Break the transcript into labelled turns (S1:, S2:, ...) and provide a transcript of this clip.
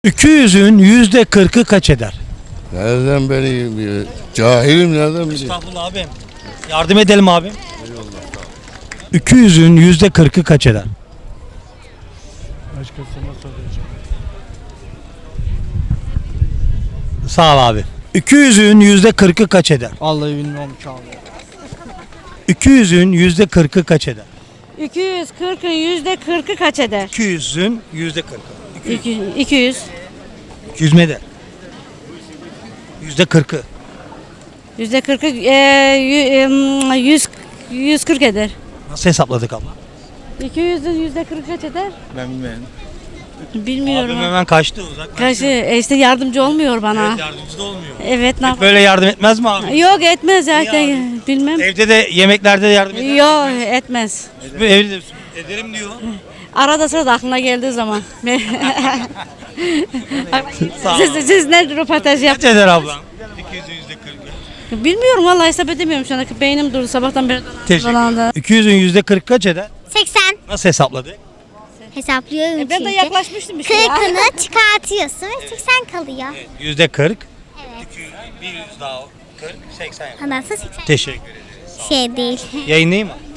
S1: 200'ün %40'ı kaç eder?
S2: Nereden bileyim? Cahilim nereden bileyim?
S1: Estağfurullah abim. Yardım edelim abim. 200'ün %40'ı kaç eder?
S3: Başkasına soracağım.
S1: Sağ ol abi. 200'ün %40'ı kaç eder?
S3: Vallahi bilmiyorum ki abi.
S1: 200'ün %40'ı kaç eder?
S4: 240'ın %40'ı kaç eder?
S1: 200'ün %40'ı.
S4: 200.
S1: 200 mi eder? %40'ı.
S4: %40'ı 140 eder.
S1: Nasıl hesapladık abla?
S4: 200'ün %40'ı kaç eder?
S3: Ben bilmiyorum.
S4: Bilmiyorum.
S1: Abim
S4: ha.
S1: hemen kaçtı uzak.
S4: Kaç işte yardımcı olmuyor bana.
S1: Evet, yardımcı da olmuyor.
S4: Evet, ne yap-
S1: Böyle yardım etmez mi abi?
S4: Yok, etmez zaten.
S1: abi?
S4: Bilmem.
S1: Evde de yemeklerde de yardım eder.
S4: Yok, etmez.
S1: Evde de ederim diyor.
S4: Arada sırada aklına geldiği zaman.
S1: Sağ ol.
S4: siz ne röportaj yap?
S1: Kaç eder ablam? 200'ün %40'ı.
S4: Bilmiyorum vallahi, hesap edemiyorum şu anda. Beynim durdu sabahtan beri.
S1: Teşekkür
S4: dolandı.
S1: ederim. 200'ün %40 kaç eder?
S5: 80
S1: Nasıl hesapladık?
S5: hesaplıyorum
S4: Ben de
S5: çünkü.
S4: yaklaşmıştım bir şey.
S5: 40'ını çıkartıyorsun ve 80 kalıyor.
S1: %40.
S5: Evet.
S1: 100 daha 40, 80 yapar.
S5: Nasıl 80?
S1: Teşekkür ederim.
S5: Şey değil.
S1: Yayınlayayım mı?